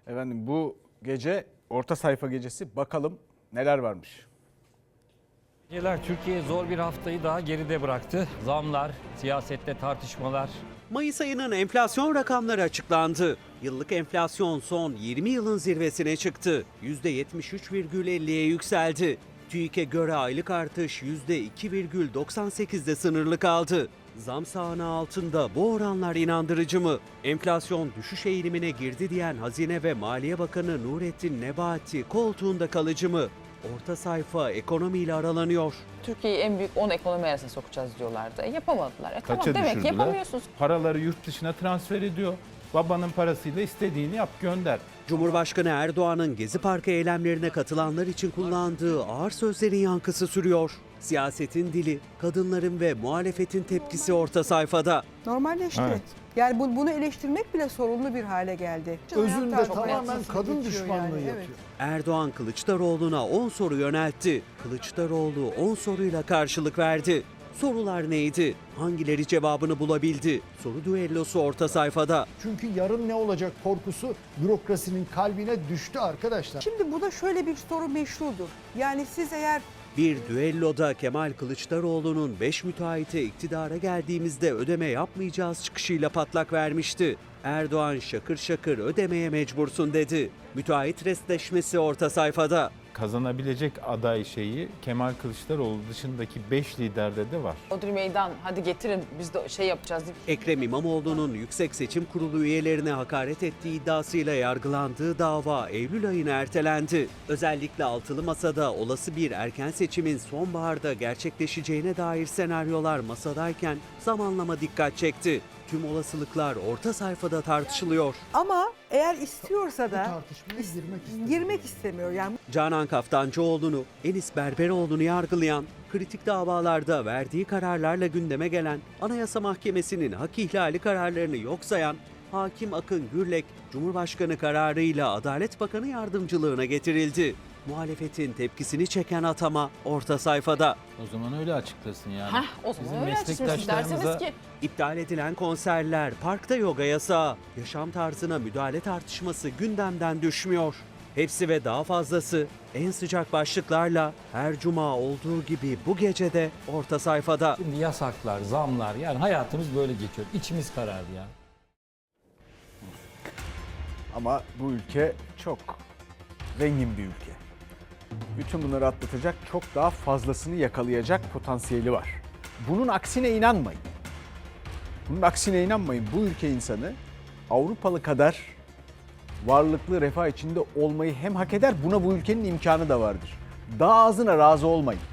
Efendim bu gece orta sayfa gecesi, bakalım neler varmış. Türkiye zor bir haftayı daha geride bıraktı. Zamlar, siyasette tartışmalar. Mayıs ayının enflasyon rakamları açıklandı. Yıllık enflasyon son 20 yılın zirvesine çıktı. %73,50'ye yükseldi. TÜİK'e göre aylık artış %2,98'de sınırlı kaldı. Zam sahne altında bu oranlar inandırıcı mı? Enflasyon düşüş eğilimine girdi diyen Hazine ve Maliye Bakanı Nurettin Nebati koltuğunda kalıcı mı? Orta sayfa ekonomiyle aralanıyor. Türkiye'yi en büyük 10 ekonomi arasına sokacağız diyorlardı. Yapamadılar. Tamam, Kaça demek ki düşürdüler? yapamıyorsunuz. Paraları yurt dışına transfer ediyor. Babanın parasıyla istediğini yap, gönder. Cumhurbaşkanı Erdoğan'ın Gezi Parkı eylemlerine katılanlar için kullandığı ağır sözlerin yankısı sürüyor. Siyasetin dili, kadınların ve muhalefetin tepkisi orta sayfada. Normalleşti. Evet. Yani bunu eleştirmek bile sorunlu bir hale geldi. Özünde Hayat tamamen tartışmasını kadın geçiyor düşmanlığı yani, yapıyor. Erdoğan Kılıçdaroğlu'na 10 soru yöneltti. Kılıçdaroğlu 10 soruyla karşılık verdi. Sorular neydi? Hangileri cevabını bulabildi? Soru düellosu orta sayfada. Çünkü yarın ne olacak korkusu bürokrasinin kalbine düştü arkadaşlar. Şimdi bu da şöyle bir soru meşrudur. Yani siz eğer Bir düelloda Kemal Kılıçdaroğlu'nun 5 müteahhite iktidara geldiğimizde ödeme yapmayacağız çıkışıyla patlak vermişti. Erdoğan şakır şakır ödemeye mecbursun dedi. Müteahhit restleşmesi orta sayfada. Kazanabilecek aday şeyi Kemal Kılıçdaroğlu dışındaki 5 liderde de var. Odri Meydan hadi getirin biz de şey yapacağız deyip Ekrem İmamoğlu'nun Yüksek Seçim Kurulu üyelerine hakaret ettiği iddiasıyla yargılandığı dava Eylül ayına ertelendi. Özellikle altılı masada olası bir erken seçimin sonbaharda gerçekleşeceğine dair senaryolar masadayken zamanlama dikkat çekti. Tüm olasılıklar orta sayfada tartışılıyor. ama eğer istiyorsa Bu da tartışmaya girmek istemiyor. Yani Canan Kaftancıoğlu'nu, Enis Berberoğlu'nu yargılayan, kritik davalarda verdiği kararlarla gündeme gelen, Anayasa Mahkemesi'nin hak ihlali kararlarını yok sayan Hakim Akın Gürlek, Cumhurbaşkanı kararıyla Adalet Bakanı yardımcılığına getirildi. Muhalefetin tepkisini çeken atama orta sayfada. O zaman öyle açıklasın yani. o zaman Bizim öyle açıksınız meslektaşlarımıza derseniz ki İptal edilen konserler, parkta yoga yasağı, yaşam tarzına müdahale tartışması gündemden düşmüyor. Hepsi ve daha fazlası en sıcak başlıklarla her cuma olduğu gibi bu gece de orta sayfada. Şimdi yasaklar, zamlar, yani hayatımız böyle geçiyor. İçimiz karardı ya. Ama bu ülke çok zengin bir ülke. Bütün bunları atlatacak, çok daha fazlasını yakalayacak potansiyeli var. Bunun aksine inanmayın. Bunun aksine inanmayın. Bu ülke insanı Avrupalı kadar varlıklı, refah içinde olmayı hem hak eder, buna bu ülkenin imkanı da vardır. Daha azına razı olmayın.